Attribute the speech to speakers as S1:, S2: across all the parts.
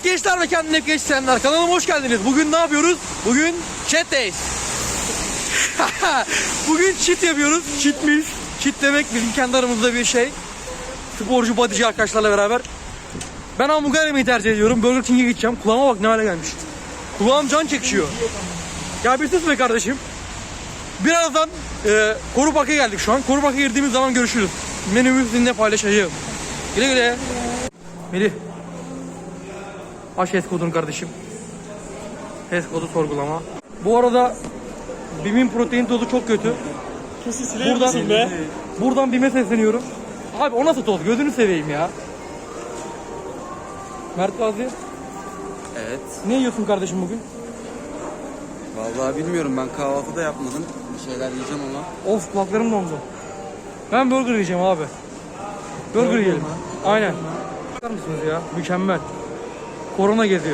S1: Evet gençler ve kendine hep genç isteyenler, kanalıma hoş geldiniz. Bugün ne yapıyoruz? Bugün cheat days. Bugün cheat yapıyoruz. Cheat meals. Cheat demek bizim kendi aramızda bir şey. Sporcu, bodyci arkadaşlarla beraber. Ben hamburger yemeyi tercih ediyorum. Burger King'e gideceğim. Kulağıma bak ne hale gelmiş. Kulağım can çekişiyor. Ya bir sus be kardeşim. Birazdan Koru Park'a geldik şu an. Koru Park'a girdiğimiz zaman görüşürüz. Menümü sizinle paylaşacağım. Güle güle. Melih. Aç HES kodunu kardeşim. HES kodu sorgulama. Bu arada BİM'in protein tozu çok kötü. Buradan BİM'e sesleniyorum. Abi o nasıl toz? Gözünü seveyim ya. Mert Gazi.
S2: Evet.
S1: Ne yiyorsun kardeşim bugün?
S2: Vallahi bilmiyorum, ben kahvaltı da yapmadım. Bir şeyler yiyeceğim ama.
S1: Of kulaklarım dondu. Ben burger yiyeceğim abi. Burger yiyelim. Aynen. Bakar mısınız ya? Mükemmel. Korona geziyor.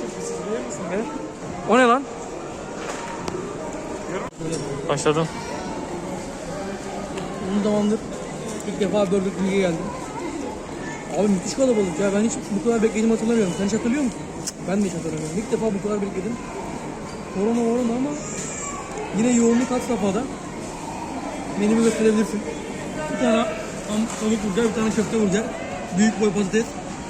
S1: O ne lan?
S3: Başladım.
S1: Uzun zamandır ilk defa Burger King'e geldim. Abi müthiş kalabalık ya. Ben hiç bu kadar beklediğimi hatırlamıyorum. Sen hiç hatırlıyor musun? Ben de hiç hatırlamıyorum. İlk defa bu kadar bekledim. Korona ama yine yoğunluk had safhada. Menümü gösterebilirsin. Bir tane tavuk burger, bir tane köfte burger. Büyük boy patates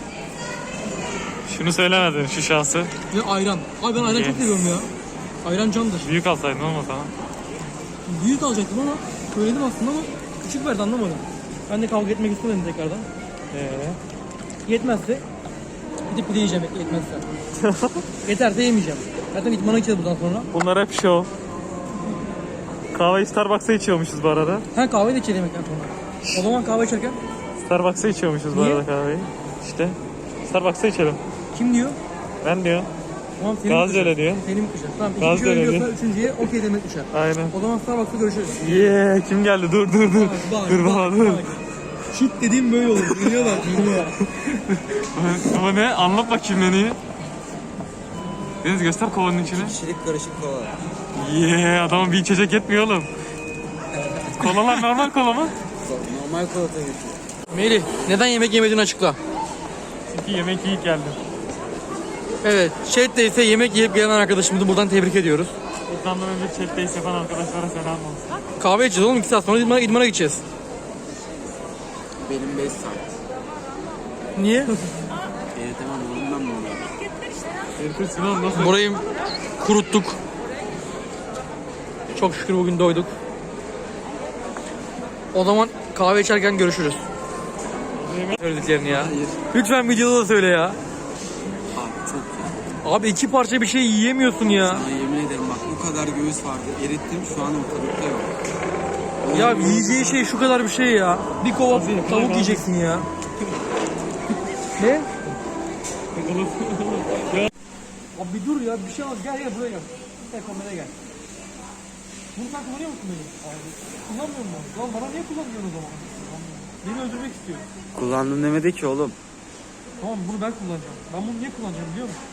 S3: Şunu söylemedin, şu şahsı.
S1: ve ayran. Abi ben ayran çok seviyorum ya. Ayran candır.
S3: Büyük alsaydın olmaz ama.
S1: Büyük alacaktım ama söyledim aslında ama küçük verdi, anlamadım. Ben de kavga etmek istemedim tekrardan. Yetmezse gidip pide yiyeceğim, yetmezse. Yeterse yemeyeceğim. Zaten idmana gideceğiz buradan sonra.
S3: Bunlar hep show. Kahveyi Starbucks'a içiyormuşuz bu arada.
S1: Ha, kahve de içeceğiz yemekten sonra. O zaman kahve içerken
S3: Starbucks'a içiyormuşuz bu
S1: Niye?
S3: arada kahveyi. İşte. Starbucks'a içelim.
S1: kim diyor?
S3: Ben diyor.
S1: Tamam,
S3: Gazi öyle diyor.
S1: Senin düşer. Tamam,
S3: Gazi
S1: ikinci
S3: öyle
S1: diyorsa
S3: diyor.
S1: üçüncüye okey demek düşer.
S3: Aynen.
S1: O zaman Starbucks'ta görüşürüz.
S3: Yeah, kim geldi? Dur. Dur baba dur.
S1: Shit dediğim böyle olur. Geliyorlar.
S3: Ama ne? Anlat bakayım menüyü. Deniz göster kovanın içine.
S2: Kişilik karışık kola.
S3: Yeah, adamın bir içecek yetmiyor oğlum. Kolalar normal kola mı?
S2: Normal kola tabii ki.
S1: Melih, neden yemek yemediğini açıkla.
S3: Çünkü yemek yiyip geldim.
S1: Evet, chat'te ise yemek yiyip gelen arkadaşımızı buradan tebrik ediyoruz.
S3: Buradan önce chat'teyiz yapan arkadaşlara selam olsun.
S1: Kahve içeceğiz oğlum, 2 saat sonra idmana gideceğiz.
S2: Benim 5 saat.
S1: Niye?
S2: Tamam oğlum, ben bunu.
S3: Erkut Sinan nasıl?
S1: Burayı kuruttuk. Çok şükür bugün doyduk. O zaman kahve içerken görüşürüz. Söylediklerini ya.
S2: Hayır.
S1: Lütfen videoda da söyle ya.
S2: Abi çok iyi.
S1: Abi 2 parça bir şey yiyemiyorsun ya.
S2: Sana yemin ederim bak, bu kadar göğüs vardı. Erittim, şu an ortalıkta yok.
S1: Ya yiyeceği şey şu kadar bir şey ya. Bir kova tavuk yiyeceksin ya. Ne? Abi bir dur ya, bir şey al, gel buraya gel. Gel kameraya gel. Bunu sen kullanıyor musun beni? Kullanmıyor musun? Lan bana niye kullanmıyorsun o zaman? Beni öldürmek istiyor.
S2: Kullandım demedi ki oğlum.
S1: Tamam, bunu ben kullanacağım. Ben bunu niye kullanacağım biliyor musun?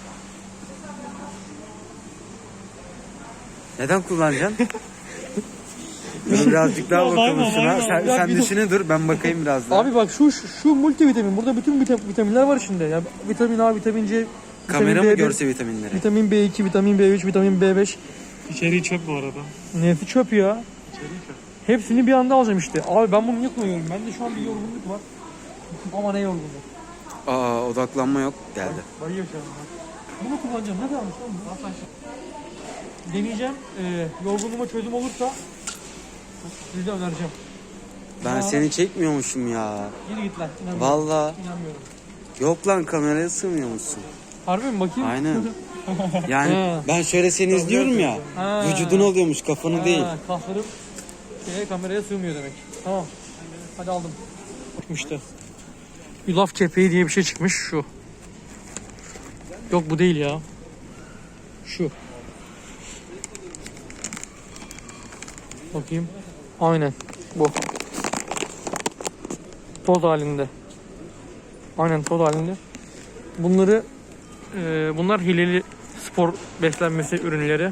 S2: Neden kullanacaksın? Dur birazcık daha bakalım şuna. Sen düşüne dur, ben bakayım biraz daha.
S1: Abi bak şu multivitamin. Burada bütün vitaminler var içinde. Yani vitamin A, vitamin C,
S2: Kamera
S1: vitamin
S2: mı
S1: B1,
S2: görse vitaminleri?
S1: vitamin B2, vitamin B3, vitamin B5.
S3: İçeriği çöp bu arada.
S1: Nesi çöp ya?
S3: İçeriği çöp.
S1: Hepsini bir anda alacağım işte. Abi ben bunu niye kullanıyorum? Bende şu an bir yorgunluk var. Ama ne yorgunluk?
S2: Odaklanma yok, geldi.
S1: Bayıyor şu an. Bunu kullanacağım. Ne kalmış lan bu? Deneyeceğim. Yorgunluğuma çözüm olursa size önereceğim.
S2: Ben seni çekmiyormuşum ya.
S1: Yürü git lan. İnanmıyorum.
S2: Vallahi.
S1: İnanmıyorum.
S2: Yok lan, kameraya sığmıyor musun?
S1: Harbi mi, bakayım?
S2: Aynen. Yani
S1: Ha.
S2: ben şöyle seni izliyorum ya.
S1: Ha.
S2: Vücudun oluyormuş, kafanı değil.
S1: Kaslarım kameraya sığmıyor demek. Tamam. Hadi aldım. İşte. Yulaf kepeği diye bir şey çıkmış şu. Yok bu değil ya. Şu. Bakayım. Aynen. Bu. Toz halinde. Aynen toz halinde. Bunlar hileli spor beslenmesi ürünleri.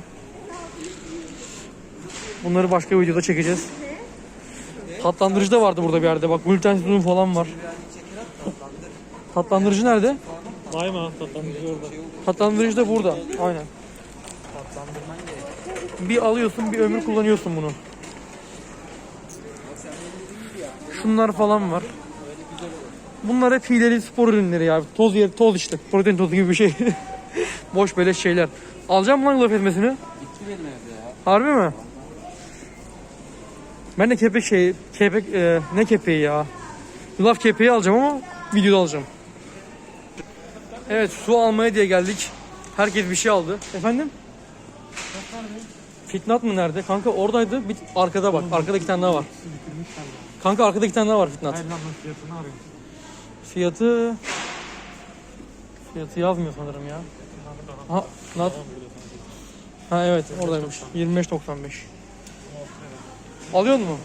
S1: Bunları başka videoda çekeceğiz. Tatlandırıcı da vardı burada bir yerde. Bak glutensiz un falan var. Tatlandırıcı nerede?
S3: Vay mı? Tatlandırıcı orada.
S1: Tatlandırıcı da burada. Aynen.
S2: Tatlandırman gerek.
S1: Bir alıyorsun, bir ömür kullanıyorsun bunu. Şunlar falan var. Bunlar hep hileli spor ürünleri ya. Toz işte. Protein tozu gibi bir şey. Boş böyle şeyler. Alacağım mı lan yulaf ezmesini?
S2: Bitti benim evde ya.
S1: Harbi mi? Ben de ne kepeği ya? Yulaf kepeği alacağım ama videoda alacağım. Evet, su almaya diye geldik. Herkes bir şey aldı. Efendim? Fitnat mı nerede? Kanka oradaydı. Bir arkada bak. Arkada 2 tane daha var. Kanka arkada 2 tane daha var Fitnat.
S3: Hayır lan ben fiyatını arıyorum.
S1: Fiyatı yazmıyor sanırım ya. Ha evet oradaymış. 25.95. Alıyor mu?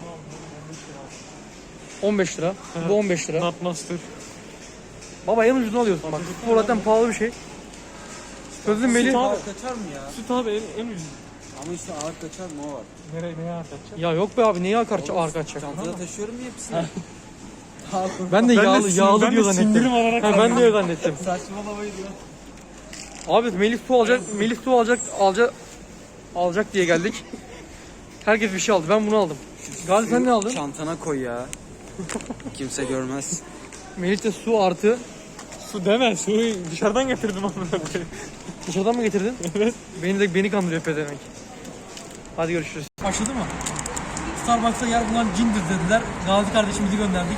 S1: 15 lira. Bu 15 lira.
S3: Nut Master.
S1: Baba en ucunu alıyorsun bak. Bu zaten pahalı bir şey. Sözüm Melih.
S2: Ağır kaçar mı ya?
S3: Süt abi en ucuz.
S2: Ama işte ağır kaçar mı o var.
S3: Neye atacak?
S1: Ya yok be abi, neye arka açacak?
S2: Çantada taşıyorum ya hepsini.
S1: Ben de yağlı
S3: ben
S1: diyor
S3: de sindirim
S1: zannettim.
S3: olarak
S1: Ha, ben de öyle zannettim.
S2: Saçmalamayı diyor.
S1: Abi Melih su alacak diye geldik. Herkes bir şey aldı. Ben bunu aldım. Gazi sen ne aldın?
S2: Çantana koy ya. Kimse görmez.
S1: Melih de su artı.
S3: Su deme, suyu dışarıdan getirdim amına koyayım.
S1: Dışarıdan mı getirdin? Evet. Beni kandırıyor pezevenk. Hadi görüşürüz. Başladı mı? Starbucks'ta yer bulan cindir dediler. Gazi kardeşimizi gönderdik.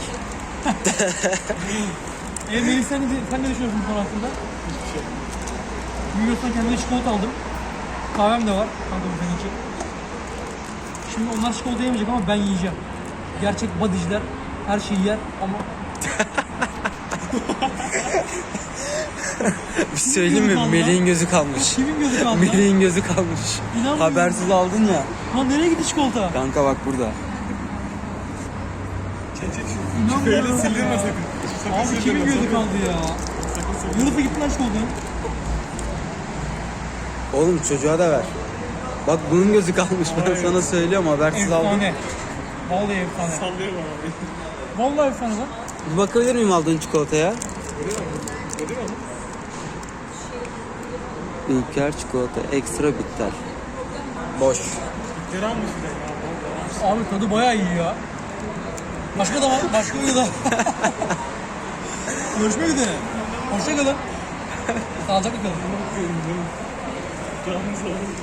S1: Melih sen ne düşünüyorsun bu konu hakkında? Hiçbir şey. Bilmiyorsan kendime çikolata aldım. Kahvem de var. Kanka bu senin için. Şimdi onlar çikolata yemeyecek ama ben yiyeceğim. Gerçek bodyciler her şeyi yer ama...
S2: Bir şey söyleyeyim mi? Melih'in gözü kalmış.
S1: Kimin gözü kaldı lan?
S2: Melih'in gözü kalmış.
S1: İnanmıyorum.
S2: Habersiz aldın ya.
S1: Lan nereye gitti çikolata?
S2: Kanka bak burada.
S1: İnanmıyorum.
S3: Sildirme sakın.
S1: Abi kimin gözü kaldı ya? Yurda gitti lan çikolatanın.
S2: Oğlum çocuğa da ver. Bak bunun gözü kalmış. Ben sana söylüyorum habersiz aldın.
S1: Efsane. Vallahi efsane.
S3: Sallıyorum abi.
S1: Vallahi efsane lan.
S2: Bir bakabilir miyim aldığın çikolataya? Ülker çikolata ekstra bitter. Boş.
S3: Geri almış bir de ya.
S1: Abi tadı bayağı iyi ya. Başka da var. Başka bir da. Görüşmek üzere. Hoşça kalın. Sağlıcakla kalın.
S3: Canınız olsun.